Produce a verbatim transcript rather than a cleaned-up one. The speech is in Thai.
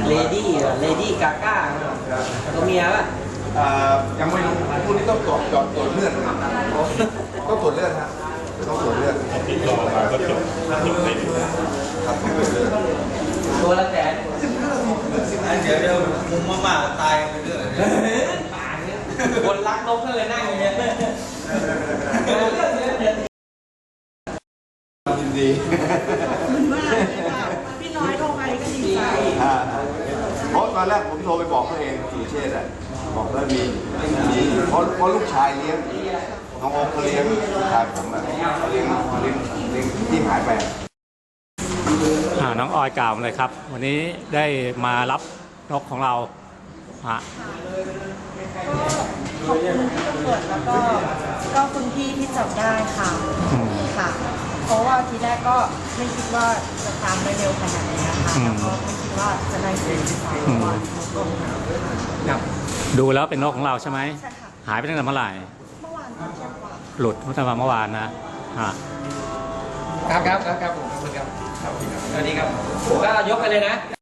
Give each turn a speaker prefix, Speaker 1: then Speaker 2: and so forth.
Speaker 1: เลดี้เลดี้กาก้าตัวเมียป่ะ
Speaker 2: ยังไม่รู้พวกนี้ต้องตรวจจอดตรวจเลือดต้องตรวจเลือดฮะต้องตรวจเลือด
Speaker 3: ติดต่อมาก็จบจบเลย
Speaker 2: ครับต้องตรวจเลือด
Speaker 1: ตัวละแสน
Speaker 4: เดี๋ยวเดี๋ยวมุมมากๆตายไปเรื่อย
Speaker 1: คนรักนกก็เลยนั่งอย่างเงี้ย
Speaker 2: ยินดี
Speaker 5: พี่น้อยโทรไปก็ดีใจ
Speaker 2: เพราะตอนแรกผมโทรไปบอกตัวเองสุเชษฐ์อ่ะบอกว่ามีมีเพราะเพราะลูกชายเลี้ยงน้องโอ๊คเขาเลี้ยงลูกชายผมอ่ะเลี้ยงเลี้ยงเลี้ยงที่หายไป
Speaker 6: อ่าน้องออยกล่าวเลยครับ วันนี้ได้มารับนกของเราฮะ
Speaker 5: ขอบคุณที่ตำรวจแล้วก็ก็คุณพี่ที่จับได้ค่ะค่ะ เพราะว่าทีแรกก็ไม่คิดว่าจะตามไปเร็วขนาดนี้ค่ะแล้วก็ไม่คิดว่าจะได้เจอที่สามวัน
Speaker 6: ครับดูแล้วเป็นนกของเราใช่ไหม
Speaker 5: ใช่ค่ะ
Speaker 6: หายไปตั้งแต่เมื่อไหร่
Speaker 5: เมื่อวานตอนเที่ยงกว่า
Speaker 6: หลุดเมื่อเมื่อวานนะฮะ
Speaker 1: ครับครับครับครับผมขอบคุณครับสวัสดีครับก็ยกไปเลยนะ